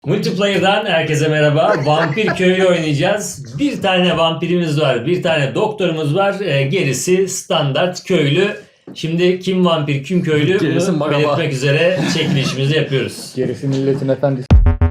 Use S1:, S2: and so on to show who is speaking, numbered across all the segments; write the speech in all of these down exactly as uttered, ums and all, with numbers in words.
S1: Multiplayer'dan herkese merhaba. Vampir köylü oynayacağız. Bir tane vampirimiz var, bir tane doktorumuz var. E, gerisi standart köylü. Şimdi kim vampir, kim köylü
S2: Gerisi
S1: bunu
S2: merhaba.
S1: belirtmek üzere çekilişimizi yapıyoruz.
S3: Gerisi milletin efendisi.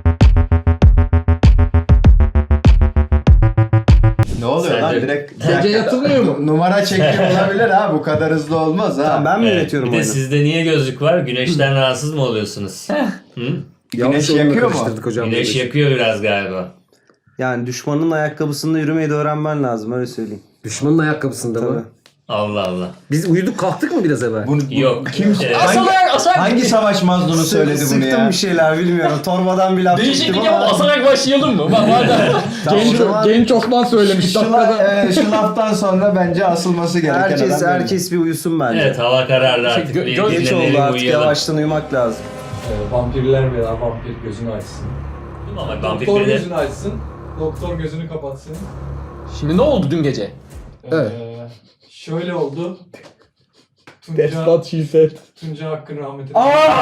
S4: Ne oluyor
S1: Sen
S4: lan
S1: de-
S4: direkt
S3: Gece yatılmıyor mu?
S4: numara çekiyor olabilir ha, bu kadar hızlı olmaz ha.
S5: Tamam, ben mi
S1: Evet,
S5: yönetiyorum
S1: bir de
S5: oyunu?
S1: sizde niye gözlük var? Güneşten rahatsız mı oluyorsunuz? Hı?
S4: Güneş yakıyor mu?
S5: hocam.
S1: Güneş yakıyor biraz galiba.
S5: Yani düşmanın ayakkabısında yürümeyi de öğrenmen lazım, öyle söyleyeyim.
S2: Düşmanın ayakkabısında
S5: Tabii.
S2: mı?
S1: Allah Allah.
S2: Biz uyuduk kalktık mı biraz evvel?
S4: Bunu, bu-
S1: Yok.
S4: Kim,
S1: Ee,
S4: hangi,
S2: Asarak, asarak.
S4: hangi savaş mazlunu söyledi bunu
S5: Sıktım
S4: ya?
S5: bir şeyler bilmiyorum. Torbadan bir laf çektim
S2: Değişiklik
S5: ama.
S2: yapıp asarak başlayalım mı? Bak madem.
S5: Tamam,
S3: Genç,
S5: o zaman
S3: genç Osman söylemiş.
S4: Şu,
S3: dakikada.
S4: la- e, şu laftan sonra bence asılması gereken
S5: herkes
S4: adam benim.
S5: herkes bir uyusun bence.
S1: Evet, hava kararlı artık.
S2: Gö-
S1: Bir
S2: göz-
S5: Geç
S1: dinlenelim,
S5: oldu artık,
S1: uyuyalım.
S5: yavaştan uyumak lazım.
S6: Ee, vampirler veya vampir gözünü açsın.
S1: Ama vampir
S6: Doktor
S1: beni-
S6: gözünü açsın. Doktor gözünü kapatsın.
S2: Şimdi ne oldu dün gece?
S6: Ee,
S3: Evet.
S6: Şöyle oldu. Tunca,
S3: That's what she said.
S6: Tunca hakkın rahmetine.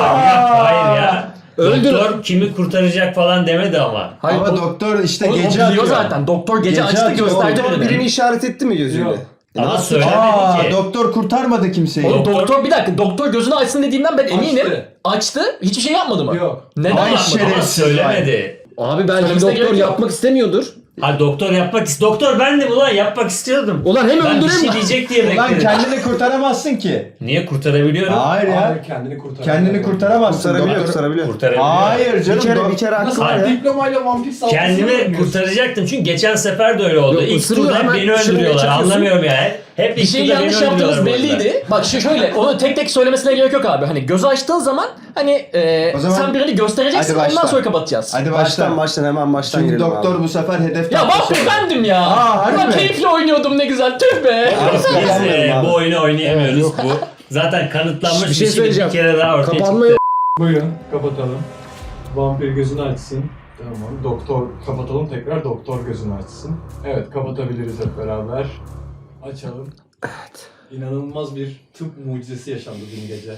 S1: Hayır ya.
S2: Öldür.
S1: Doktor kimi kurtaracak falan demedi ama.
S2: Hayır,
S4: Ama
S2: o,
S4: doktor işte
S2: o,
S4: gece
S2: o biliyor
S4: atıyor.
S2: zaten. Doktor gece,
S4: Gece
S2: açtı
S4: atıyor.
S2: gösterdi
S5: Doktor
S2: birini.
S5: birini işaret etti mi gözüyle?
S6: Yok.
S5: E
S1: Ama
S5: nasıl-
S1: söylemedi
S4: Aa,
S1: ki.
S4: doktor kurtarmadı kimseyi.
S2: Oğlum
S1: Doktor-
S2: doktor bir dakika doktor gözünü açsın dediğinden ben eminim.
S6: Açtı.
S2: Açtı. Hiçbir şey yapmadı mı?
S6: Yok.
S2: Neden
S4: Ay
S2: yapmadı?
S4: şerefsiz.
S1: Ama söylemedi.
S2: Abi belki
S6: Söylemesine
S2: doktor
S6: gerek yok.
S2: yapmak istemiyordur.
S1: Ha doktor yapmak ist Doktor bendim ulan, yapmak istiyordum.
S2: Ulan hem
S1: Ben bir
S2: öldüreyim
S1: şey
S2: mi?
S1: diyecek diye
S4: Lan
S1: bekledim.
S4: kendini kurtaramazsın ki.
S1: Niye kurtarabiliyorum?
S4: Hayır ya.
S6: Hayır, kendini kurtar.
S4: Kendini kurtaramazsın.
S5: Kurtarabiliyor,
S4: Doktor-
S5: kurtarabiliyor.
S1: Kurtarabiliyorum.
S4: Hayır canım.
S5: Bir kere
S4: dok-
S5: bir kere hakkı
S6: Nasıl
S5: var ya.
S6: diplomayla vampir saldırısı
S1: Kendimi kurtaracaktım çünkü geçen sefer de öyle oldu.
S2: Yok,
S1: İlk
S2: ısırıyor,
S1: turda hep
S2: hemen
S1: beni
S2: şırıngayı
S1: öldürüyorlar.
S2: çakıyorsun.
S1: Anlamıyorum yani. Hep
S2: Bir
S1: ilk
S2: şey
S1: turda beni
S2: yanlış yaptığımız
S1: öldürüyorlar orada.
S2: belliydi. Bak şu şöyle onu tek tek söylemesine gerek yok abi. Hani gözü açtığın zaman hani e,
S4: O zaman-
S2: sen birini göstereceksin
S4: Hadi başla.
S2: ondan sonra kapatacağız.
S4: Hadi
S5: Baştan
S4: başla.
S5: baştan hemen baştan
S4: Çünkü
S5: girelim
S4: doktor
S5: abi.
S4: bu sefer hedef
S2: Ya
S4: tahtası.
S2: vampir bendim ya.
S4: Aa, harbi
S2: Ulan
S4: mi?
S2: keyifle oynuyordum ne güzel. Tüh be.
S1: Biz
S5: Yapamıyorum
S1: e,
S5: abi.
S1: bu oyunu oynayamıyoruz. Bu zaten kanıtlanmış
S2: Bir
S1: bir
S2: şey
S1: şey, bir
S2: söyleyeceğim.
S1: kere daha ortaya
S2: Kapanma
S1: çıktı.
S6: Buyurun kapatalım. Vampir gözünü açsın. Tamam. Doktor kapatalım tekrar. Doktor gözünü açsın. Evet, kapatabiliriz hep beraber. Açalım. Evet. İnanılmaz bir tıp mucizesi yaşandı dün gece.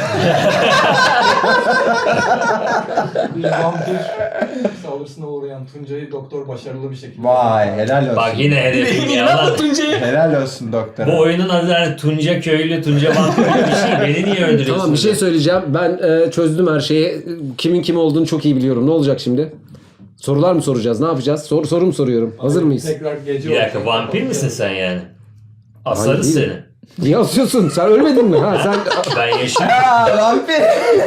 S6: Bir vampir saldırısına uğrayan Tuncay'ı doktor başarılı bir şekilde...
S4: Vay helal olsun.
S1: Bak yine hedefim ya
S2: İnan
S1: lan.
S2: Tuncay'ı.
S4: Helal olsun doktor.
S1: Bu oyunun adı hani Tunca köylü, Tunca vampir gibi bir şey. Beni niye öldürüyorsunuz?
S7: Tamam bir şey söyleyeceğim. Ben e, çözdüm her şeyi. Kimin kim olduğunu çok iyi biliyorum. Ne olacak şimdi? Sorular mı soracağız? Ne yapacağız? Sor, soru mu soruyorum? Hazır mıyız?
S6: Tekrar gece
S1: Bir dakika,
S6: olacak.
S1: vampir misin sen yani? Asarız
S7: Hayır,
S1: seni.
S7: Niye asıyorsun? Sen ölmedin mi? Ha sen
S1: Ben yaşıyorum.
S4: Aa, vampir.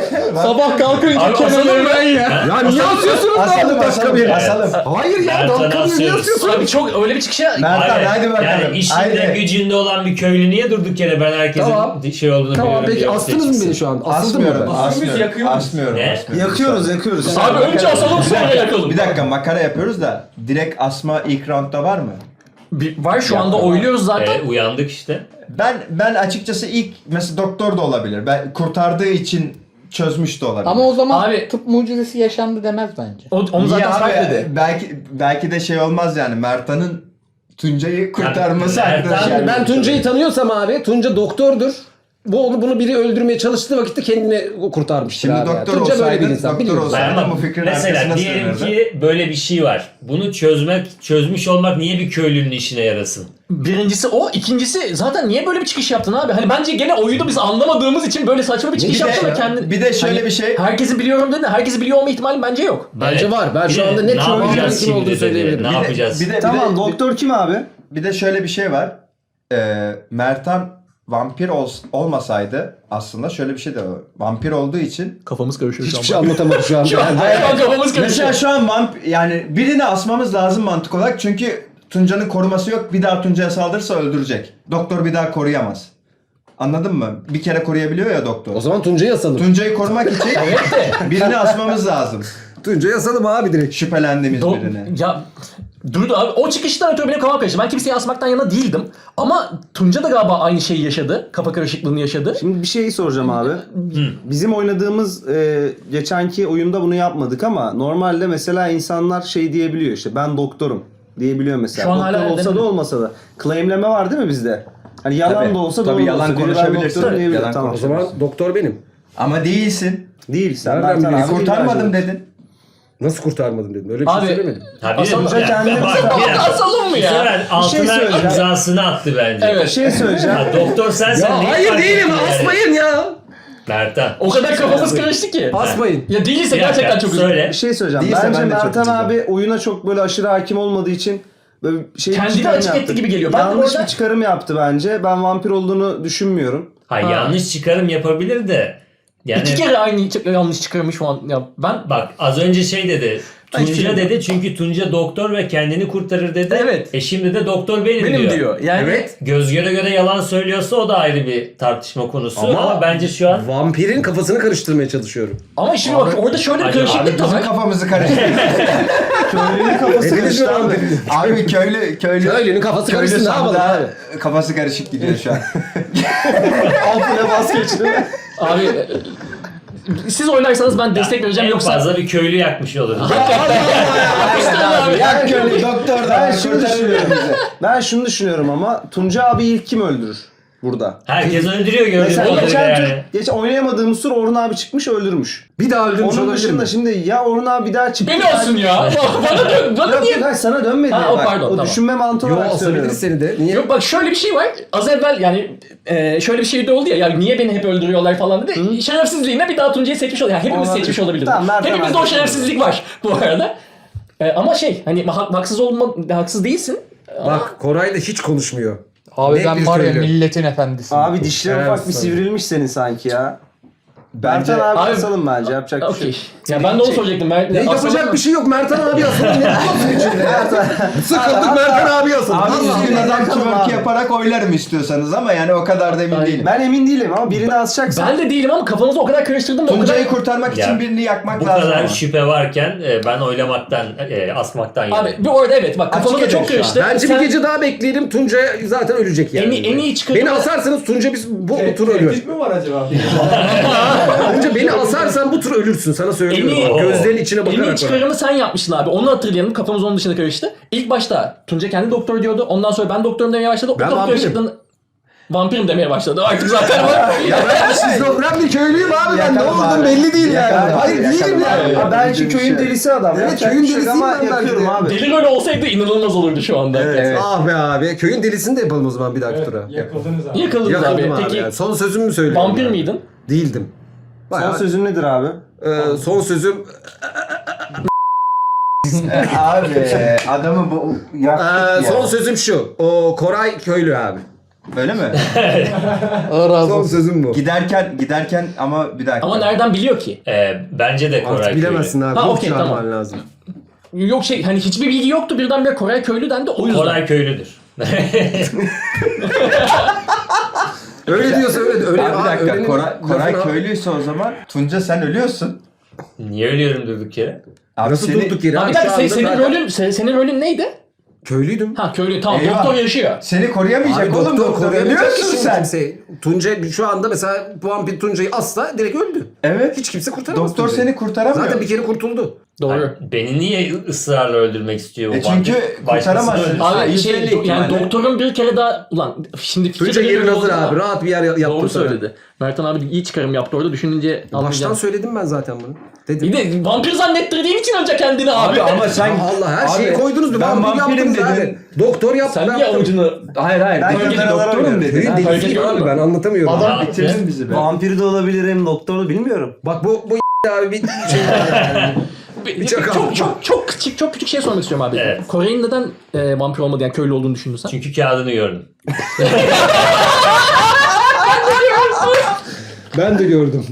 S3: Sabah kalkınca
S2: Abi
S3: kenara
S2: asalım
S3: ben ya.
S7: ya niye asıyorsunuz lan
S4: Asalım
S7: bu dakika bir?
S4: asalım. Asalım.
S7: Hayır ya
S1: Ben sana
S7: dakika bir niye
S1: asıyoruz.
S7: asıyorsun?
S2: Abi çok öyle bir çıkışa...
S4: Mertan
S1: Hayır,
S4: hadi bakalım.
S1: Yani işinde
S4: Haydi.
S1: gücünde olan bir köylü niye durduk yere ben herkesin
S7: Tamam.
S1: şey olduğunu
S7: Tamam
S1: biliyorum
S7: peki
S1: diye
S7: astınız mı
S1: seçmişsin.
S7: beni şu an? Asıldım mı
S4: Asmıyorum.
S7: ben?
S6: Asıyoruz,
S4: Asmıyorum.
S6: yakıyoruz.
S4: Asmıyorum.
S1: Ne?
S4: asmıyorum.
S5: Yakıyoruz yakıyoruz.
S2: Abi önce asalım sonra yakalım.
S4: Bir dakika makara yapıyoruz da direkt asma ilk roundda var mı?
S2: Bir- var şu anda oynuyoruz zaten.
S1: E, uyandık işte.
S4: Ben ben açıkçası ilk mesela doktor da olabilir. Ben kurtardığı için çözmüş de olabilir.
S3: Ama o zaman
S2: Abi-
S3: tıp mucizesi yaşandı demez bence.
S2: O, onu
S4: Niye
S2: zaten
S4: abi?
S2: Sarp dedi.
S4: Belki belki de şey olmaz yani Mertan'ın Tuncay'ı kurtarması
S1: Mertan-
S4: arkadaşlar.
S7: Yani ben Tunca'yı tanıyorsam abi Tunca doktordur. Bu onu bunu biri öldürmeye çalıştığı vakitte kendini kurtarmıştır
S4: Şimdi
S7: abi.
S4: doktor
S7: Tunca böyle bir
S4: olsaydın,
S7: insan.
S4: doktor
S7: biliyorsun.
S4: olsaydın.
S1: Ama
S4: bu fikrin
S1: mesela
S4: arkasına
S1: diyelim
S4: sığınırdı.
S1: ki böyle bir şey var. Bunu çözmek, çözmüş olmak niye bir köylünün işine yarasın?
S2: Birincisi o. ikincisi zaten niye böyle bir çıkış yaptın abi? Hani bence gene oyunu biz anlamadığımız için böyle saçma bir çıkış
S4: Bir de-
S2: yaptın ve kendi...
S4: bir de şöyle
S2: Hani
S4: bir şey-
S2: Herkesi biliyorum dedi. Herkesi biliyor olma ihtimali bence yok.
S7: Bence
S1: Evet.
S7: var. Ben
S1: Bir
S7: şu
S1: de
S7: anda net
S1: ne
S7: köylünün
S1: yapacağız
S7: kim
S1: şimdi
S7: olduğunu
S1: dedi.
S7: söyleyebilirim.
S1: Ne
S4: Bir de-
S1: yapacağız?
S4: Bir de, bir
S5: Tamam
S4: de,
S5: doktor kim abi?
S4: bir de şöyle bir şey var. Ee, Mertan vampir ol, olmasaydı aslında şöyle bir şey de var. Vampir olduğu için
S2: Kafamız karışıyor
S7: Hiçbir şey anlatamadım şu anda.
S2: Şu an,
S7: Yani
S2: şu an kafamız karışıyor.
S4: mesela şu an vamp yani birini asmamız lazım mantık olarak çünkü Tunca'nın koruması yok. Bir daha Tunca'ya saldırırsa öldürecek. Doktor bir daha koruyamaz. Anladın mı? Bir kere koruyabiliyor ya doktor.
S7: O zaman Tunca'yı asalım.
S4: Tunca'yı korumak için birini asmamız lazım.
S7: Tunca'yı asalım abi direkt.
S4: Şüphelendiğimiz
S2: Do-
S4: birini.
S2: ya dur abi o çıkıştan ötürü benim kafam karıştı. Ben kimseyi asmaktan yana değildim. Ama Tunca da galiba aynı şeyi yaşadı. Kafa karışıklığını yaşadı.
S5: Şimdi bir şey soracağım abi. Bizim oynadığımız e, geçenki oyunda bunu yapmadık ama normalde mesela insanlar şey diyebiliyor işte ben doktorum diyebiliyor mesela.
S2: Şu an
S5: Doktor
S2: hala
S5: olsa da
S2: denemedim.
S5: olmasa da. Claimleme var değil mi bizde? Hani yalan
S4: Tabii.
S5: da olsa
S4: Tabii
S5: doğru
S4: yalan
S5: da olsa. Biri ben
S4: konuşabilirsin.
S5: doktorum diyebilir.
S4: Yalan
S5: Tamam.
S7: O zaman doktor benim.
S4: Ama değilsin.
S5: Değil sen.
S7: Nereden
S5: Mertan
S7: biliyorsun?
S5: abi
S4: Kurtarmadım
S5: illacı.
S4: dedin.
S7: Nasıl kurtarmadım dedim. Öyle bir
S2: Abi,
S7: şey söylemedim.
S1: Tabii
S2: Asalım.
S1: ya,
S5: Kendini
S1: bak,
S5: tutar.
S1: bir dakika.
S2: Asalım mı
S1: Bu
S2: ya?
S1: sefer altına
S5: söyleyeceğim.
S1: imzasını attı bence.
S2: Evet.
S5: Bir şey söyleyeceğim.
S1: Ya, doktor sensen
S7: Ya
S1: neyi
S7: hayır
S1: fark
S7: değilim.
S1: ettin yani?
S7: Asmayın ya.
S1: Mertan.
S2: O kadar kafamız karıştı ki.
S7: Asmayın.
S2: Ya değilse
S1: Bir dakika,
S2: gerçekten çok üzüldüm.
S1: söyle.
S5: Bir şey söyleyeceğim.
S4: Değilse
S5: Bence
S4: ben de çok
S5: Mertan
S4: üzülürüm.
S5: abi oyuna çok böyle aşırı hakim olmadığı için böyle şey
S2: Kendini
S5: çıkarım
S2: açık
S5: yaptı.
S2: etti gibi geliyor. Ben de
S5: Yanlış
S2: orada-
S5: bir çıkarım yaptı bence. Ben vampir olduğunu düşünmüyorum.
S1: Hayır
S2: Ha.
S1: yanlış çıkarım yapabilir de. Yani
S2: İki kere aynı çık- yanlış çıkarmış şu an. Ya ben
S1: bak az önce şey dedi.
S2: Ben hiçbir
S1: Tunca
S2: şey
S1: dedi çünkü Tunca doktor ve kendini kurtarır dedi.
S2: Evet.
S1: E şimdi de doktor benim,
S2: benim
S1: diyor.
S2: diyor. Yani
S7: Evet.
S1: Göz göre göre yalan söylüyorsa o da ayrı bir tartışma konusu ama,
S7: Ama
S1: bence şu an
S7: Vampirin kafasını karıştırmaya çalışıyorum.
S2: ama şimdi bak orada şöyle bir
S1: Acaba-
S2: karışıklık da
S4: Bizim
S2: var.
S4: kafamızı karıştırdı.
S5: Köylünün kafası
S7: Hepiniz
S5: karıştı
S7: mi
S5: abi.
S7: vampirdiniz?
S4: Abi köylü köylü
S7: Köylünün kafası
S4: köylü
S7: karışsın, ne yapalım
S4: sandığa
S7: abi?
S4: kafası karışık gidiyor şu an.
S5: Altına bas geçti.
S2: Abi e, siz oynarsanız ben destek vereceğim
S1: en
S2: yoksa
S1: fazla bir köylü yakmış olur.
S2: abi.
S4: Ya köylü doktor da
S5: Ben
S4: var,
S5: şunu
S4: kurtarır
S5: düşünüyorum.
S4: bizi.
S5: Ben şunu düşünüyorum ama Tunca abi ilk kim öldürür burada?
S1: Herkes öldürüyor gördüğün
S5: Mesela
S1: kadarıyla
S5: geçen,
S1: yani.
S5: tur, geç oynayamadığımız tur Orhun abi çıkmış öldürmüş.
S7: Bir daha öldürmüş
S5: Onun
S7: olabilir
S5: dışında
S7: mi?
S5: şimdi ya Orhun abi bir daha çıktı.
S2: Beni olsun ya. Bana dön. Bana
S5: Yok
S2: niye?
S5: yok hayır, sana dönmedi.
S2: Ha, o
S5: Bak,
S2: pardon,
S5: o
S2: tamam.
S5: düşünme mantığı
S7: Yo
S5: olarak söylüyorum.
S7: asabiliriz seni de. Niye?
S2: Yok bak şöyle bir şey var. Az evvel yani e, şöyle bir şey de oldu ya. Yani niye beni hep öldürüyorlar falan dedi. Şerefsizliğine bir daha Tuncay'ı seçmiş oluyor. Yani hepimiz
S5: Olabilir.
S2: seçmiş olabiliriz.
S5: Tamam, Mert'e
S2: Hepimizde o
S5: Mert'e.
S2: şerefsizlik var bu arada. E, ama şey hani ha- haksız olma haksız değilsin.
S7: Bak Koray da hiç konuşmuyor.
S3: Abi
S7: Net
S3: ben
S7: bir
S3: var ya
S7: köylü.
S3: milletin efendisi.
S5: Abi dişleri
S7: Evet,
S5: ufak bir
S7: tabii.
S5: sivrilmiş senin sanki ya.
S4: Bence-
S5: Mertan abi
S2: Abi-
S5: asalım bence yapacak bir şey
S2: Okey.
S5: yok.
S2: Ya ben de onu soracaktım. Ben,
S7: Ne yapacak bir şey yok. Mertan abi asalım. Ne yapıyorsun içinde? Sıkıldık Mertan abi asalım.
S4: Abi
S7: Allah
S4: siz
S7: Allah.
S4: adam
S5: bakalım
S4: twerk
S5: abi.
S4: yaparak oylarım istiyorsanız ama yani o kadar da emin
S2: Aynen.
S4: değilim.
S5: Ben emin değilim ama birini asacaksın.
S2: Ben de değilim ama kafamızı o kadar karıştırdım da o kadar...
S4: Tuncay'ı kurtarmak
S1: Ya,
S4: için birini yakmak
S1: Bu
S4: lazım
S1: kadar
S4: ama.
S1: şüphe varken e, ben oylamaktan, e, asmaktan
S2: Abi
S1: yanayım.
S2: bir orada evet bak kafamıza
S4: Açık
S2: çok
S4: ederim şu an.
S2: karıştı.
S7: Bence
S2: Sen-
S7: bir gece daha bekleyelim. Tunca zaten ölecek yani.
S2: En iyi- en iyi çıkarımı-
S7: Beni asarsanız Tunca biz bu, bu tur
S6: Tehdit
S7: ölüyor.
S6: mi var acaba?
S7: Tunca beni asarsan bu tur ölürsün. Sana
S2: En
S7: söylüyorum.
S2: iyi-
S7: Bak, gözlerin içine
S2: En
S7: bakarak.
S2: iyi
S7: bak.
S2: çıkarımı sen yapmışsın abi. Onu hatırlayalım. Kafamız onun dışında karıştı. İlk başta Tunca kendi doktor diyordu. Ondan sonra ben doktorum demeye başladı. O
S7: Ben
S2: kafa
S7: vampirim.
S2: karışıklığını... Vampirim demeye başladı. Artık zaten var.
S7: Ya ben şizofren bir köylüyüm abi ben. Ne
S5: Yakarım
S7: oldum
S5: abi.
S7: belli değil yani.
S5: Yakarım
S7: Hayır
S5: abi,
S7: değilim
S5: yakarım
S7: yani.
S5: abi. Ha, belki köyün delisi adam.
S7: Evet,
S5: Yapacak
S7: köyün
S5: bir şey yok
S7: delisiyim
S5: ama
S7: ben belki
S5: yakıyorum
S7: de.
S5: abi.
S2: Deli öyle olsaydı inanılmaz olurdu şu anda.
S5: Evet.
S7: Ah be abi. Köyün delisini de yapalım o zaman bir dahaki
S6: Evet,
S7: tura.
S6: yakıldınız abi.
S2: Yıkıldınız
S7: Yakıldım
S2: abi.
S7: abi.
S2: Peki
S7: yani. Son sözümü mü söylüyorum?
S2: vampir
S7: ben?
S2: miydin?
S7: Değildim.
S5: Son
S7: Bayağı,
S5: sözün nedir abi?
S7: e, son sözüm
S4: Abi adamı bu yaktık
S7: e,
S4: ya.
S7: son sözüm şu. O Koray köylü abi.
S4: Öyle mi?
S3: Allah razı
S7: Son
S3: olsun.
S7: sözüm bu.
S4: Giderken giderken ama bir dakika.
S2: Ama nereden biliyor ki?
S1: E, bence de Koray
S7: Artık bilemezsin abi.
S2: Ha,
S7: Ruh
S2: okey,
S7: çağırman
S2: tamam.
S7: lazım.
S2: Yok şey hani hiçbir bilgi yoktu. Birdenbire Koray köylü dendi. O
S1: köylü.
S2: yüzden.
S1: Koray köylüdür.
S7: Öyle diyorsa öyle. öyle
S4: Abi bir dakika
S7: öğrenin-
S4: Koray, Koray
S7: lafını-
S4: köylüyse o zaman Tunca sen ölüyorsun.
S1: Niye ölüyorum durduk yere?
S4: Abi
S7: Nasıl
S4: seni-
S7: durduk yere?
S2: Ha, bir
S7: abi?
S2: dakika
S7: Şu
S2: senin,
S7: anda
S2: senin
S7: zaten-
S2: rolün se- senin rolün neydi?
S7: Köylüydüm.
S2: Ha köylü tamam.
S4: Eyvah.
S2: Doktor yaşıyor.
S4: Seni koruyamayacak
S7: Abi
S4: oğlum
S7: doktor
S4: doktor.
S7: koruyamayacak ki
S4: Ölüyorsun
S7: şimdi
S4: sen.
S7: kimseyi. Tunca şu anda mesela vampir Tunca'yı asla direkt öldü.
S4: Evet.
S7: Hiç kimse kurtaramaz
S4: Doktor
S7: Tunca'yı.
S4: seni kurtaramıyor.
S7: Zaten bir kere kurtuldu.
S2: Doğru.
S1: Hayır, beni niye ısrarla öldürmek istiyor bu
S4: E çünkü
S1: vampir? Başkasını
S4: kurtaramazsın.
S1: öldürsün.
S2: Abi
S4: yüzde
S2: şey,
S4: elli
S2: yani
S4: ihtimalle.
S2: doktorun bir kere daha ulan şimdi fikir
S7: Tunca
S2: de
S7: yerin
S2: geliyor
S7: hazır
S2: ama-
S7: abi. Rahat bir yer yaptım
S2: Doğru
S7: sana.
S2: söyledi. Mertan abi iyi çıkarım yaptı orada düşününce
S7: Baştan
S2: anlayacağım.
S7: söyledim ben zaten bunu. Dedim.
S2: Bir de vampir zannettirdiğin için önce kendini abi.
S4: Abi ama sen
S7: Ya Allah her
S4: Abi,
S7: şeyi koydunuz.
S4: ben
S7: vampir
S4: vampirim
S7: yaptınız
S4: dedin.
S7: abi. Doktor yaptı.
S2: Sen
S7: ben
S2: niye
S7: yaptım.
S2: avucunu...
S4: Hayır hayır.
S5: Ben
S4: Ben
S5: doktorum
S4: doktorum dedin.
S7: Köyün
S2: Ha,
S7: delisiyim
S2: fark
S7: abi
S2: ediyorum.
S7: ben anlatamıyorum.
S4: Adam
S1: Abi,
S4: bitirdin bizi be.
S5: Vampir de olabilirim, doktor da bilmiyorum.
S7: Bak bu bu abi bir şey
S2: Bir-
S7: çakal.
S2: çok çok çok küçük çok küçük şey sormak istiyorum abi.
S1: Evet.
S2: Koray'ın neden e, vampir olmadı yani köylü olduğunu düşündün sen?
S1: Çünkü kağıdını gördüm.
S7: ben de gördüm.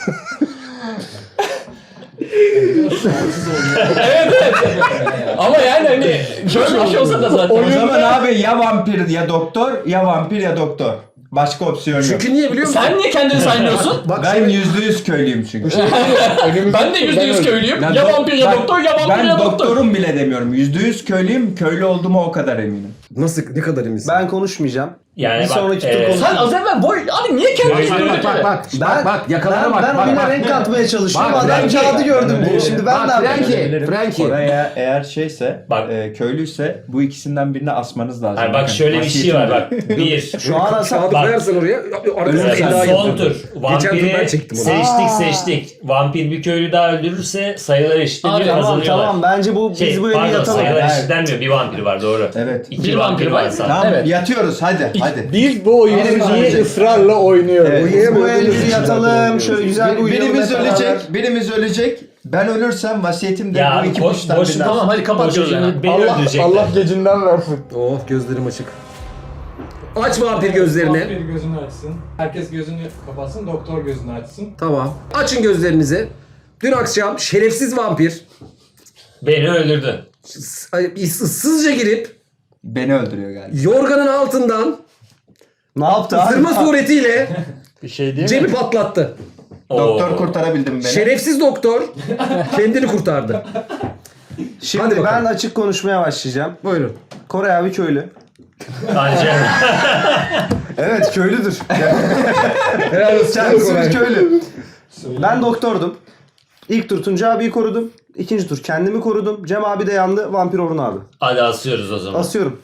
S2: Ama yani hani şöyle bir şey olsa da zaten.
S4: O zaman abi ya vampir ya doktor ya vampir ya doktor. Başka opsiyon yok.
S7: Çünkü niye biliyor musun?
S2: Sen niye kendini saymıyorsun?
S7: Bak
S4: Ben
S7: şimdi-
S4: yüzde yüz köylüyüm çünkü.
S2: Ben de yüzde yüz köylüyüm.
S4: Ben
S2: Ya
S4: do-
S2: vampir ya
S4: bak,
S2: doktor ya vampir
S4: Ben
S2: ya doktor.
S4: doktorum bile demiyorum. Yüzde yüz köylüyüm. Köylü olduğuma o kadar eminim.
S7: Nasıl ne kadar eminsin?
S5: Ben konuşmayacağım.
S1: Yani
S5: Bir
S1: bak,
S5: sonraki
S1: e,
S5: tur konuş-
S2: Sen az evvel boy... Abi niye kendini
S1: Köylü-
S2: söyledin?
S7: Bak bak
S5: Ben,
S7: bak bak yakalara
S5: ben,
S7: bak.
S5: ben
S7: bak,
S5: oyuna
S7: bak.
S5: renk katmaya çalışıyorum.
S7: Bak,
S5: Adam
S7: Frankie.
S5: kağıdı gördüm diyor. Şimdi ben
S7: Bak,
S5: ne yapayım?
S7: Frankie, Frankie.
S4: Oraya eğer şeyse,
S1: Bak.
S4: e, köylüyse bu ikisinden birini asmanız lazım.
S1: hayır, bak
S4: Bakın,
S1: şöyle bir şey var bak. Bir.
S5: Şu an asa
S7: Kağıdı
S1: Bak.
S7: koyarsan oraya. Arkasına
S1: Evet,
S7: illa
S1: son
S7: yapıyorum.
S1: tur.
S7: Geçen tur ben
S1: Vampiri
S7: çektim onu.
S1: seçtik seçtik. Vampir bir köylü daha öldürürse sayılar eşitleniyor,
S2: Abi,
S5: Tamam
S1: kazanıyorlar.
S5: tamam bence bu
S1: Şey,
S5: biz bu eli
S1: pardon,
S5: yatalım.
S1: sayılar
S4: Evet.
S1: eşitlenmiyor. Bir vampir var doğru.
S4: Evet.
S1: İki
S2: Bir
S1: vampir
S2: vampir
S1: var
S2: var.
S1: zaten.
S4: Tamam
S2: Evet.
S4: yatıyoruz hadi hadi.
S3: Biz bu oyunu
S4: Birimiz
S3: niye
S4: ölecek.
S3: ısrarla oynuyoruz?
S4: Evet.
S5: Biz bu el bir yatalım. Şöyle güzel bir
S4: Bir-
S5: uyuyalım.
S4: birimiz
S5: hep beraber.
S4: ölecek, birimiz ölecek. Ben ölürsem vasiyetimde
S1: Ya
S4: bu
S1: abi,
S4: iki
S1: boş-
S4: kuştan
S1: boş-
S4: birini
S2: Tamam hadi kapat
S1: Boşu
S2: gözlerini.
S1: şimdi beni
S3: Allah,
S1: öldürecekler.
S3: Allah gecinden versin.
S7: Oh gözlerim açık. Aç vampir gözlerini.
S6: Vampir gözünü açsın. Herkes gözünü kapatsın, doktor gözünü açsın.
S7: Tamam. Açın gözlerinizi. Dün akşam şerefsiz vampir
S1: Beni öldürdü.
S7: s- ay, ıssızca girip
S4: Beni öldürüyor galiba.
S7: yorganın altından
S5: Ne yaptı abi?
S7: zırma suretiyle
S3: Bir şey değil
S7: Cem'i
S3: mi?
S7: patlattı.
S4: Doktor
S1: Oo.
S4: kurtarabildim beni.
S7: Şerefsiz doktor kendini kurtardı. Hadi
S5: Şimdi
S7: bakalım.
S5: ben açık konuşmaya başlayacağım.
S7: Buyurun.
S5: Koray abi köylü.
S1: Bence
S5: Evet köylüdür.
S7: Helal olsun.
S5: Kendisi bir köylü. Ben doktordum. İlk tur Tunca abiyi korudum. İkinci tur kendimi korudum. Cem abi de yandı. Vampir Orhun abi.
S1: hadi asıyoruz o zaman.
S5: Asıyorum.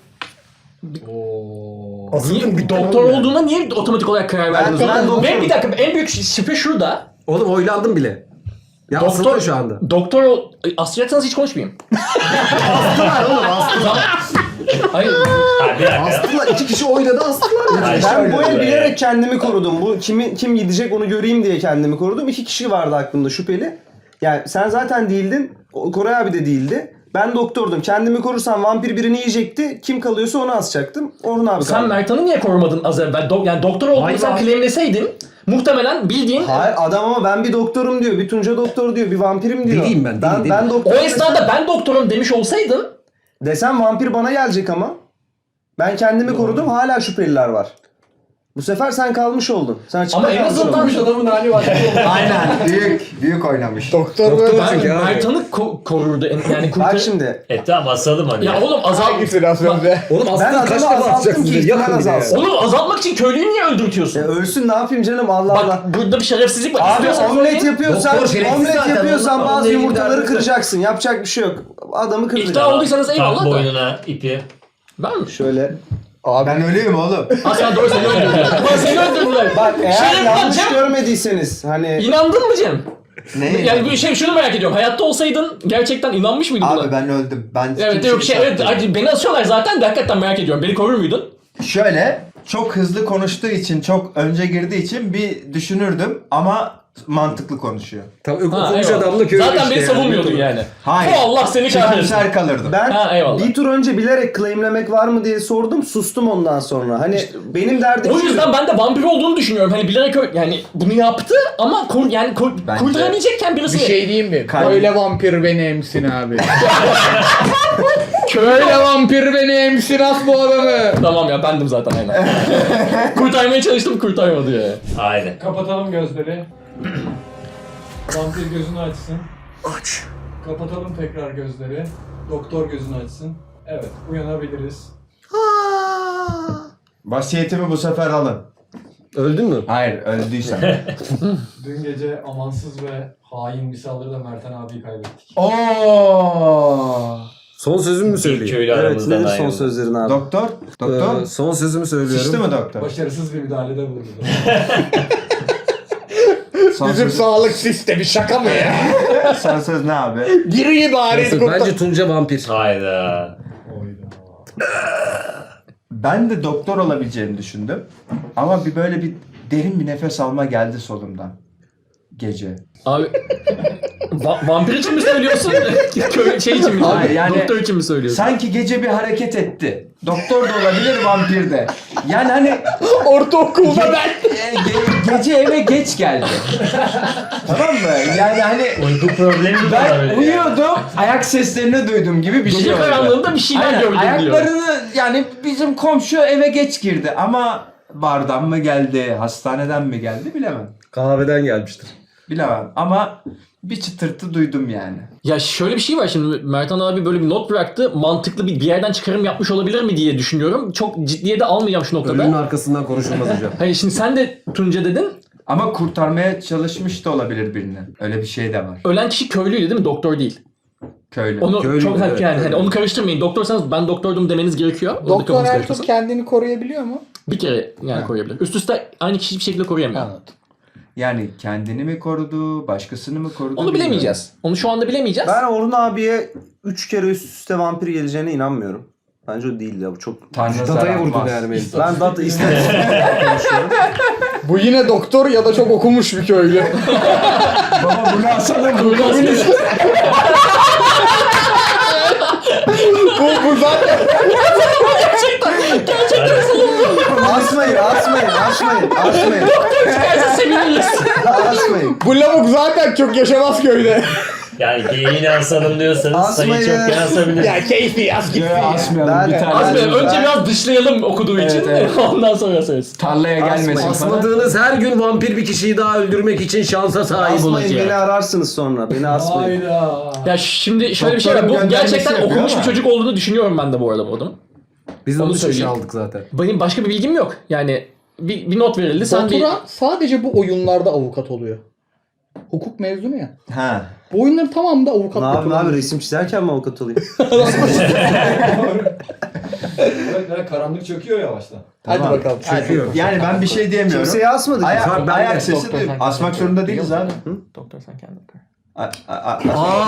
S2: Niye, bir doktor olduğuna niye otomatik olarak karar verdiniz?
S5: Ben- ben
S2: Ben,
S5: doktorum.
S2: bir dakika en büyük şüphe şurada.
S7: Oğlum oylandım bile. Ya
S2: Doktor
S7: doktor şu anda.
S2: Doktor ol- asacaksanız hiç konuşmayayım.
S5: Astılar oğlum astılar.
S2: Hayır.
S1: Ha, bir dakika.
S7: Astılar. iki kişi oynadı astılar.
S1: Hayır,
S5: Ben
S1: şöyle
S5: bu el
S1: oluyor
S5: bilerek
S1: yani.
S5: kendimi korudum. Bu kimi, kim gidecek onu göreyim diye kendimi korudum. İki kişi vardı aklımda şüpheli. Yani sen zaten değildin. O- Koray abi de değildi. Ben doktordum. Kendimi korursam vampir birini yiyecekti. Kim kalıyorsa onu asacaktım. Orhun abi
S2: Sen
S5: kaldı.
S2: Mertan'ı niye korumadın az evvel? Do- yani doktor olduğunu
S5: Hayır
S2: sen
S5: abi.
S2: claimleseydin muhtemelen bildiğin
S5: Hayır adam ama ben bir doktorum diyor. Bir Tunca doktor diyor. Bir vampirim diyor.
S7: Deliyim ben, deli,
S5: Ben,
S7: deli.
S5: ben
S2: o
S5: doktorum
S2: esnada ben doktorum demiş olsaydın
S5: desem vampir bana gelecek ama. Ben kendimi korudum. Hala şüpheliler var. Bu sefer sen kalmış oldun. Sen açıkta
S2: ama en
S5: kalmış
S2: azından
S5: oldun.
S6: Adamın hali var.
S4: Aynen. Büyük, büyük oynamış.
S3: Doktor
S7: Doktor
S3: böyle.
S2: ben
S7: çünkü abi.
S2: Mertan'ı ko- korurdu. En- Yani kurtar...
S5: Bak şimdi.
S1: E tamam asalım hani.
S2: Ya oğlum azalt...
S3: Hangisi az önce?
S7: Oğlum
S5: Ben
S7: aslında kaç
S5: adamı
S7: defa
S5: azalttım
S7: atacaksın?
S5: ki
S7: diye.
S5: ihtimal
S7: Yakın bir de.
S5: azalsın.
S2: Oğlum azaltmak için köylüyü niye öldürtüyorsun?
S5: E, ölsün ne yapayım canım Allah
S2: Bak
S5: Allah.
S2: burada bir şerefsizlik var.
S5: Abi
S2: İstiyorsan
S5: omlet
S2: söyleyin.
S5: yapıyorsan,
S7: Doktor şerefsiz
S5: omlet
S7: zaten,
S5: yapıyorsan
S7: onunla-
S5: bazı
S7: onunla ilgili
S5: yumurtaları
S7: derdimiz yok.
S5: kıracaksın. Yapacak bir şey yok. Adamı
S2: İkna
S5: kıracaksın.
S2: olduysanız
S1: Tak
S2: eyvallah da.
S1: boynuna ipi.
S2: Ben mi?
S5: Şöyle.
S3: Abi
S4: Ben ölüyüm oğlum.
S2: Ha sen doğru seni öldürdüler. Ama seni öldürdüler.
S5: Bak eğer
S2: Şey
S5: yanlış
S2: yapacağım.
S5: görmediyseniz hani
S2: İnandın mı Cem?
S4: Ne?
S2: Yani bir şey şunu merak ediyorum. Hayatta olsaydın gerçekten inanmış mıydın buna?
S4: Abi ben öldüm. Ben
S2: Evet
S4: kimseyi
S2: yok şey evet
S4: satmıyorum.
S2: acı- beni asıyorlar zaten de hakikaten merak ediyorum. Beni korur muydun?
S4: Şöyle çok hızlı konuştuğu için, çok önce girdiği için bir düşünürdüm ama mantıklı konuşuyor.
S7: Tamam
S2: Ha,
S7: okumuş
S2: eyvallah.
S7: adamla köylü
S2: Zaten
S7: işte
S2: beni
S7: yani.
S2: savunmuyordun yani.
S4: Hayır.
S2: Bu Allah seni kahretsin.
S4: Çekimser kalırdım.
S5: ben
S2: Ha, eyvallah.
S5: bir tur önce bilerek claimlemek var mı diye sordum. Sustum ondan sonra. Hani benim derdim
S2: O
S5: şu.
S2: yüzden ben de vampir olduğunu düşünüyorum. Hani bilerek ö- yani bunu yaptı ama kur, yani kur,
S4: Bence-
S2: kurtarabilecekken birisi.
S3: bir şey diyeyim mi?
S4: Kalbim-
S3: Böyle vampir beni emsin abi. Böyle vampir beni emsin as bu adamı.
S2: Tamam ya bendim zaten aynen. Kurtarmaya çalıştım kurtarmadı ya.
S1: Haydi.
S6: Kapatalım gözleri. Vampir gözünü açsın.
S7: Aç.
S6: Kapatalım tekrar gözleri. Doktor gözünü açsın. Evet, uyanabiliriz.
S4: Vasiyetimi bu sefer alın.
S7: Öldün mü?
S4: Hayır, öldüysem.
S6: Dün gece amansız ve hain bir saldırıda Mertan abiyi kaybettik.
S4: Oo!
S7: Son sözümü mü
S1: Bir
S7: söyleyeyim?
S1: köylü
S5: Evet
S1: aramızdan
S5: nedir son
S1: ayrıldı.
S5: sözlerin abi?
S4: Doktor? Doktor?
S7: Ee, son sözümü söylüyorum.
S4: Sıçtı mı doktor?
S6: Başarısız bir müdahalede bulundu.
S4: Son
S3: Bizim
S4: söz,
S3: sağlık sistemi şaka mı ya?
S4: son söz ne abi?
S3: Giriyi bari
S7: Nasıl?
S3: kurtar.
S7: Bence Tunca vampir.
S1: Hayda.
S6: Oyda.
S4: Ben de doktor olabileceğimi düşündüm. Ama bir böyle bir derin bir nefes alma geldi solumdan. Gece.
S2: Abi va- vampir için mi söylüyorsun? Köy şey için mi?
S4: Hayır, yani-
S2: Doktor için mi söylüyorsun?
S4: Sanki gece bir hareket etti. Doktor da olabilir, vampir de. Yani hani
S3: Ortaokulda ben.
S4: e, ge- gece eve geç geldi. Tamam mı? Yani hani
S1: Uyku problemi de
S4: ben
S1: olabilir.
S4: uyuyordum, ayak seslerini duydum gibi bir şey
S2: Gece
S4: oldu.
S2: karanlığında bir şeyler
S4: Aynen,
S2: gördüm diyor.
S4: ayaklarını yani bizim komşu eve geç girdi ama bardan mı geldi, hastaneden mi geldi bilemem.
S7: Kahveden gelmiştir.
S4: Bilemem ama bir çıtırtı duydum yani.
S2: Ya şöyle bir şey var şimdi Mertan abi böyle bir not bıraktı. Mantıklı bir, bir yerden çıkarım yapmış olabilir mi diye düşünüyorum. Çok ciddiye de almayacağım şu noktada.
S7: Ölünün arkasından konuşulmaz hocam.
S2: Hayır şimdi sen de Tunca dedin.
S4: Ama kurtarmaya çalışmış da olabilir birini. Öyle bir şey de var.
S2: Ölen kişi köylüydü değil mi? Doktor değil.
S4: Köylü.
S2: Onu
S7: Köylüydü,
S2: çok
S7: evet,
S2: yani hani
S7: köylü.
S2: onu karıştırmayın. Doktorsanız ben doktordum demeniz gerekiyor. Orada
S3: Doktor
S2: kafanız
S3: her
S2: karışmasın.
S3: tur kendini koruyabiliyor mu?
S2: Bir kere yani koruyabilir. Üst üste aynı kişi bir şekilde koruyamıyor.
S3: Anladım.
S4: Yani kendini mi korudu, başkasını mı korudu?
S2: Onu bilemeyeceğiz. Onu şu anda bilemeyeceğiz.
S5: Ben Orhun abiye üç kere üst üste vampir geleceğine inanmıyorum. Bence o değil ya bu çok...
S4: Tanrı
S7: Dataya
S4: zarar
S7: vurdun
S4: atmaz.
S7: yani Melih.
S5: Ben data istatistik konuşuyorum.
S3: Bu yine doktor ya da çok okumuş bir köylü.
S4: Baba bunu asalım.
S3: bu, bu zaten
S5: Asmayın, asmayın, asmayın, asmayın.
S2: Seviniriz.
S5: Asmayın.
S3: bu lavuk zaten çok yaşamaz köyde.
S1: Yani geyiğini asalım diyorsanız sayı
S5: Asmayın.
S1: çok yansabilir.
S3: ya keyfi yaz gitsin.
S4: Ya, asmayalım
S5: Ben-
S4: bir tane.
S2: Az
S5: Ben-
S2: be, önce
S5: ben-
S2: biraz dışlayalım okuduğu için.
S4: evet.
S2: Ondan sonra söyleriz.
S4: Tarlaya gelmesin falan.
S7: Asmadığınız her gün vampir bir kişiyi daha öldürmek için şansa sahip
S5: Asmayın, beni
S7: olacak.
S5: ararsınız sonra. Beni asmayın.
S6: Hayda.
S2: Ya şimdi şöyle bir şey var.
S4: Doktorun
S2: Bu gerçekten
S4: göndermesi yapıyor
S2: okumuş bir
S4: ama.
S2: çocuk olduğunu düşünüyorum ben de bu arada bu adamın.
S7: Biz de
S2: Onu
S7: onu söyleyeyim.
S2: söyleyeyim.
S7: aldık zaten.
S2: Benim başka bir bilgim yok. Yani bir, bir not verildi. Sen bir...
S3: Batura sadece bu oyunlarda avukat oluyor. Hukuk mezunu ya.
S4: Ha.
S3: Bu oyunların tamamında avukat
S5: Ne yapayım abi,
S3: kullanıyor.
S5: resim çizerken mi avukat olayım?
S6: Evet, böyle karanlık çöküyor yavaştan.
S3: Hadi
S4: Tamam.
S3: bakalım.
S7: Çöküyor.
S4: Yani ben bir şey diyemiyorum.
S5: Kimseye asmadık.
S4: Ayak,
S7: Bak, ben
S4: ayak
S7: de-
S4: sesi
S2: Doktor,
S4: duyuyorum.
S2: sen
S4: Asmak
S2: kendin
S4: zorunda
S2: kır.
S4: değiliz abi.
S2: Doktor sen kendin kır.
S4: A- a- a-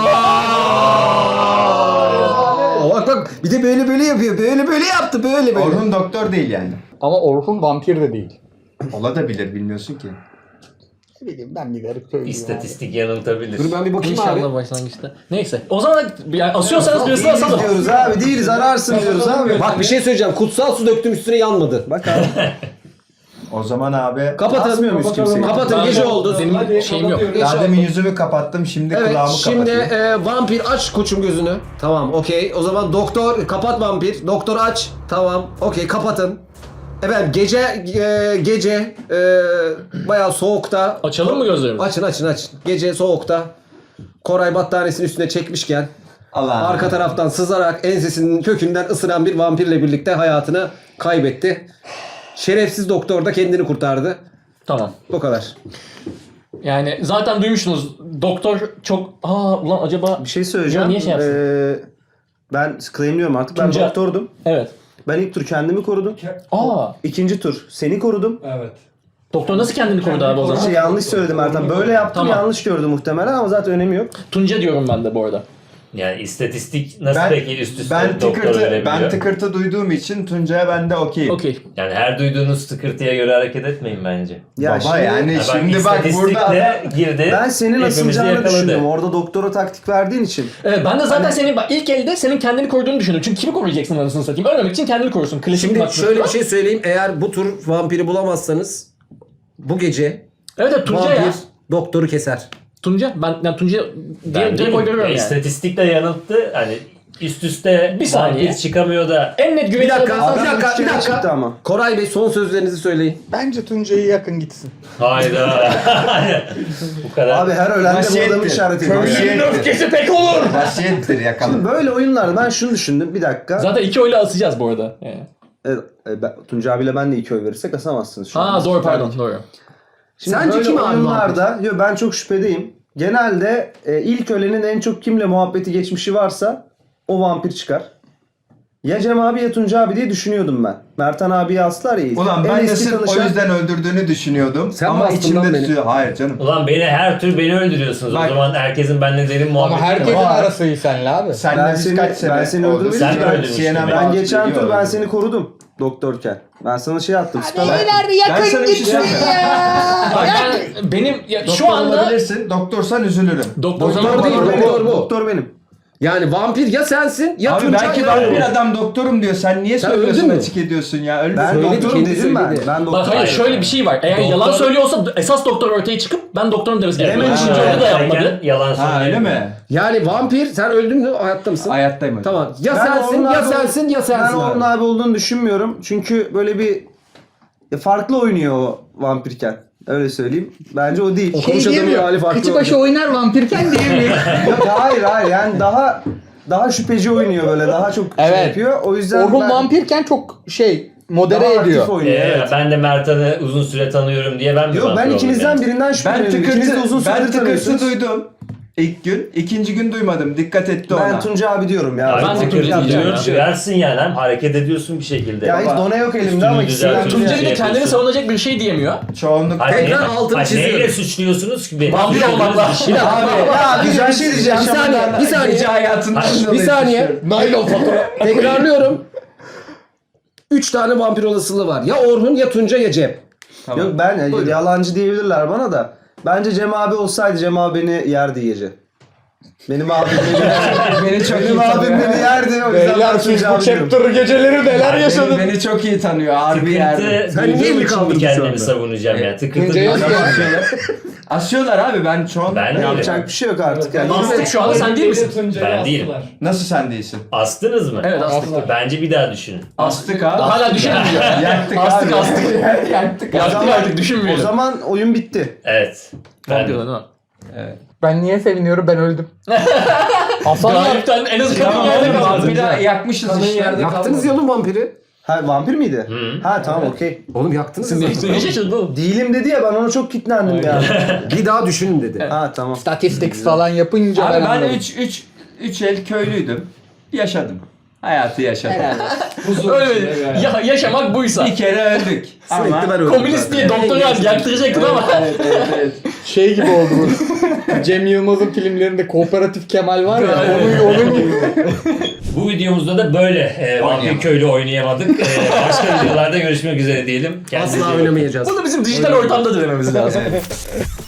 S7: Aa, bak bak bir de böyle böyle yapıyor. Böyle böyle yaptı. Böyle böyle.
S4: Orhun doktor değil yani.
S3: Ama Orhun vampir de değil.
S4: Olabilir bilmiyorsun ki.
S3: Ne bileyim ben bir garip köylüyüm.
S1: İstatistik yanıltabilir.
S7: Dur ben bir bakayım abi.
S2: İnşallah başlangıçta. Neyse. O zaman yani asıyorsanız birisini
S5: Değiliz
S2: asalım.
S5: diyoruz abi, değiliz, ararsın diyoruz abi.
S7: Bak bir şey söyleyeceğim. Kutsal su döktüm üstüne yanmadı.
S5: Bak abi.
S4: O zaman abi
S7: Kapatın.
S5: Asmıyor muyuz kimseyi?
S7: Kapatın
S2: Ben
S7: gece
S2: de-
S7: oldu.
S2: Benim
S6: Hadi,
S2: şeyim yok.
S6: kapatıyoruz.
S4: daha demin yüzümü kapattım şimdi
S7: Evet
S4: kulağımı
S7: şimdi
S4: kapatayım.
S7: e, vampir aç koçum gözünü. Tamam okey. O zaman doktor kapat vampir. Doktor aç. Tamam okey kapatın. Efendim gece e, gece e, bayağı soğukta.
S2: Açalım mı gözlerimizi?
S7: Açın açın açın. Gece soğukta. Koray battaniyesini üstüne çekmişken
S4: Allah.
S7: arka taraftan sızarak ensesinin kökünden ısıran bir vampirle birlikte hayatını kaybetti. Şerefsiz doktor da kendini kurtardı.
S2: Tamam.
S7: Bu kadar.
S2: Yani zaten duymuşsunuz. Doktor çok... Aa ulan acaba...
S5: Bir şey söyleyeceğim.
S2: Ya niye şey yapsın?
S5: Ee, ben claimliyorum artık. Ben
S2: Tunca-
S5: doktordum.
S2: Evet.
S5: Ben ilk tur kendimi korudum.
S2: Aa.
S5: İkinci tur seni korudum.
S6: Evet.
S2: Doktor nasıl kendini korudu abi o zaman?
S5: Şey, yanlış söyledim Ertan. Böyle yaptım,
S2: Tamam.
S5: yanlış gördü muhtemelen ama zaten önemi yok.
S2: Tunca diyorum ben de bu arada.
S1: Yani istatistik nasıl
S4: Ben-
S1: peki üst üste
S4: Ben
S1: doktor
S4: tıkırtı,
S1: verebiliyor?
S4: ben tıkırtı duyduğum için Tuncay'a ben de okeyim.
S2: Okey.
S1: Yani her duyduğunuz tıkırtıya göre hareket etmeyin bence.
S5: Ya
S4: Baba
S5: şimdi,
S4: yani
S1: Ya bak,
S4: şimdi bak burada adam-
S1: istatistikle girdi.
S5: ben senin
S1: hepimizi
S5: asılacağını
S1: yakaladı.
S5: düşündüm. Orada doktora taktik verdiğin için.
S2: Evet ben de zaten senin bak ilk elde senin kendini koruduğunu düşündüm. Çünkü kimi koruyacaksın anasını satayım? Ölmemek için kendini korusun. Klasik
S7: Şimdi
S2: bak-
S7: şöyle bir şey söyleyeyim. Eğer bu tur vampiri bulamazsanız bu gece
S2: Evet evet Tunca
S7: vampir
S2: ya.
S7: doktoru keser.
S2: Tunca ben yani Tunca
S1: Ben
S2: diye direkt
S1: değilim.
S2: oy veriyorum
S1: Ya
S2: yani.
S1: İstatistikle yanılttı. Hani üst üste
S2: Bir saniye.
S1: vampir çıkamıyor da
S2: En net
S7: Bir
S2: güvenilir
S7: dakika,
S2: adam-
S7: bir
S5: Adam
S7: dakika,
S5: üç
S7: bir
S5: kere
S7: dakika.
S5: çıktı ama.
S7: Koray Bey son sözlerinizi söyleyin.
S3: Bence Tuncay'ı yakın gitsin.
S1: hayda. Bu kadar.
S5: Abi her ölen de bu
S4: Vasiyettir.
S5: adamı işaret ediyor.
S4: Vasiyettir.
S2: öfkesi pek olur.
S4: Vasiyettir yakalım.
S5: Şimdi böyle oyunlarda ben şunu düşündüm. Bir dakika.
S2: Zaten iki oyla asacağız bu arada. Yani.
S5: Evet, e, ben, Tunca abiyle ben de iki oy verirsek asamazsınız şu an.
S2: Ha doğru pardon doğru.
S5: Şimdi
S7: Sence
S5: böyle
S7: kim abi
S5: oyunlarda, yo, ben çok şüphedeyim. Genelde e, ilk ölenin en çok kimle muhabbeti geçmişi varsa o vampir çıkar. Ya Cem abi ya Tunca abi diye düşünüyordum ben. Mertan abiye aslar ya.
S4: Ulan
S5: En
S4: ben de
S5: eski
S4: sırf o
S5: tanışan-
S4: yüzden öldürdüğünü düşünüyordum.
S7: Sen mi
S4: ama
S7: astın lan
S4: içimde
S7: beni?
S4: tutuyor. Hayır canım.
S1: Ulan beni her tür beni öldürüyorsunuz.
S4: Bak-
S1: O zaman herkesin benimle derin muhabbeti
S3: Ama herkesin
S1: var.
S3: arası iyi senle abi.
S4: Senle
S5: Ben
S4: biz
S5: seni-
S4: kaç sene
S5: ben seni
S4: oldu?
S5: öldürmedim
S1: Sen
S5: ki.
S1: mi
S5: Ben-
S1: öldürmüştün
S4: C N N
S1: beni?
S5: Ben
S4: altı
S5: geçen tur
S4: geliyor
S5: ben
S4: öyle.
S5: seni korudum doktorken. Ben sana şey yaptım.
S4: Ben,
S5: Ben,
S4: ben sana bir şey söyleyeyim.
S2: Bak ben benim ya,
S4: Doktor
S2: şu anda
S4: olabilirsin. Doktorsan üzülürüm.
S2: doktor
S7: Doktor
S2: zaman
S7: değil,
S2: değil.
S5: doktor,
S7: doktor
S5: benim,
S7: bu.
S5: doktor benim.
S7: Yani vampir ya sensin ya
S4: Abi
S7: Tuncay
S4: belki
S7: ya
S4: ben
S7: Orhun.
S4: bir adam doktorum diyor. Sen niye
S7: Sen
S4: söylüyorsun
S7: öldün mü?
S4: açık ediyorsun ya? Öldün.
S5: Ben
S7: Söyledi,
S5: doktorum
S7: kendi
S5: dedim ben.
S7: söyledi.
S5: Ben
S2: Bak
S5: doktorum.
S2: hayır şöyle bir şey var. Eğer
S1: Doktor-
S2: yalan söylüyorsa esas doktor ortaya çıkıp ben doktorum demesi gerekiyor.
S5: Hemen
S2: İkinci
S5: ha.
S2: oyunu da yapmadı.
S1: Yalan
S4: Ha öyle
S1: söylüyor.
S4: mi?
S7: Yani vampir sen öldün mü hayatta mısın?
S4: Hayattayım hocam.
S7: Tamam. Ya
S5: Ben
S7: sensin
S5: Orhun
S7: ya
S5: abi-
S7: sensin ya
S5: Ben
S7: sensin
S5: Orhun
S7: abi.
S5: abi olduğunu düşünmüyorum. Çünkü böyle bir ya farklı oynuyor o vampirken. Öyle söyleyeyim. Bence o değil.
S7: Okumuş
S3: Şey
S7: adamın
S3: diyemiyor.
S7: hali farklı.
S3: Kıçı başı oynar vampirken diyemiyor.
S5: Yok, hayır hayır yani daha daha şüpheci oynuyor böyle. Daha çok şey
S3: Evet.
S5: yapıyor. O yüzden
S3: Orhun
S5: ben
S3: vampirken çok şey modere
S5: daha aktif
S3: ediyor.
S5: oynuyor.
S1: Ee,
S5: Evet.
S1: Ben de Mertan'ı uzun süre tanıyorum diye ben mi
S5: Yok ben
S1: vampir
S5: ikinizden
S1: oldum yani?
S5: birinden
S4: Ben
S5: şüpheleniyorum. İkiniz de
S4: tıkırtı,
S5: uzun
S4: ben
S5: süredir
S4: tıkırtı
S5: tanıyorsunuz.
S4: duydum ilk gün. İkinci gün duymadım. Dikkat etti ona.
S5: Ben Tunca abi diyorum ya.
S1: Abi
S2: Ben de
S1: tıkır
S2: Tunca
S1: tıkır
S2: diyeceğim ya.
S1: duyarsın yani hem hareket ediyorsun bir şekilde.
S5: Ya hiç
S1: Baba,
S5: dona yok elimde
S1: üstünü
S5: ama ikisinden
S1: düzeltiyorsun.
S5: biri.
S2: Tunca bir de
S1: Şey
S2: kendini
S1: yapıyorsun.
S2: savunacak bir şey diyemiyor.
S4: Çoğunlukla.
S1: Hayır,
S7: Tekrar
S1: ne-
S7: altını
S1: hayır,
S7: çiziyorum.
S1: Neyle suçluyorsunuz ki beni?
S2: Vampir olmakla.
S5: Abi ya güzel bir şey diyeceğim.
S7: Bir saniye, bir saniye.
S4: Gece hayatından
S1: Hayır,
S4: dolayı
S7: Bir saniye.
S4: suçluyorum.
S3: Naylon fatura.
S7: Tekrarlıyorum. Üç tane vampir olasılığı var. Ya Orhun ya Tunca ya Cem.
S4: Tamam.
S5: Yok ben yalancı diyebilirler bana da. Bence Cem abi olsaydı Cem abi beni yerdi gece. Benim abim beni,
S4: Beni çok iyi
S5: benim abim
S4: tanıyor.
S5: beni yerdi. O yüzden
S3: Beyler
S5: ben
S3: siz
S5: Tunca
S3: bu
S5: abi diyorum.
S3: chapter geceleri neler
S4: Beni,
S3: yaşadınız?
S4: beni çok iyi tanıyor. Harbi yerde.
S1: Tıkırtı
S7: Sen niye
S1: duyduğum
S7: elini
S1: için
S7: kaldırdın
S1: mi
S7: şu
S1: kendimi
S7: anda?
S1: savunacağım ya? Tıkırtı
S3: Tunca'ya
S1: duyduğum
S3: bak ya.
S4: Asıyorlar. Asıyorlar abi ben şu an.
S1: Ben de
S5: Yapacak bir şey yok artık. Yani.
S2: Ahmet şu anda sen değil misin?
S6: Tuncay'ı
S1: Ben değilim.
S6: astılar.
S4: Nasıl sen değilsin?
S1: Astınız mı?
S2: Evet astık.
S1: Bence bir daha düşünün.
S4: Astık abi.
S2: Hala düşünmüyor.
S4: Yaktık
S2: Astık
S4: abi.
S2: astık.
S4: Yaktık
S5: O
S2: Yaktık
S5: zaman-
S2: artık
S5: O
S2: düşünmüyorum.
S5: zaman oyun bitti.
S1: Evet. Ben
S2: Vampir olan değil mi?
S3: Ben niye seviniyorum? Ben öldüm. Hasanlar
S2: Galipten en az kadın
S4: Tamam
S2: yerde
S4: oğlum
S2: kaldı.
S4: vampiri yakmışız
S6: Kanın
S4: işte.
S6: yerde
S7: Yaktınız ya oğlum vampiri.
S5: Ha vampir miydi?
S1: Hı.
S5: Ha tamam okey.
S7: Oğlum yaktınız
S2: Sen
S7: ya.
S2: ne, ne şaşırdın oğlum?
S5: Değilim dedi ya ben ona çok kitlendim ya.
S7: Bir daha düşünün dedi.
S5: Ha tamam.
S3: statistics falan yapınca
S4: Abi
S3: ben
S4: ben
S3: anladım.
S4: üç üç üç el köylüydüm. Yaşadım. Hayatı yaşadım.
S6: Huzur
S2: Öyle
S6: içinde bir hayat.
S2: ya, yaşamak buysa.
S4: Bir kere öldük.
S7: Sürekli
S4: Ama
S7: ben öldüm.
S2: Komünist diye doktor yaz yaktıracaktın ama.
S4: evet, evet, evet.
S3: Şey gibi oldu bu. Cem Yılmaz'ın filmlerinde Kooperatif Kemal var ya onun, onun gibi.
S1: Bu videomuzda da böyle e, vampir
S4: Oynayamadık.
S1: köylü oynayamadık. E, başka videolarda görüşmek üzere diyelim. Kendinize iyi
S7: Asla
S1: bakın.
S7: oynamayacağız.
S2: Bunu bizim dijital ortamda denememiz lazım.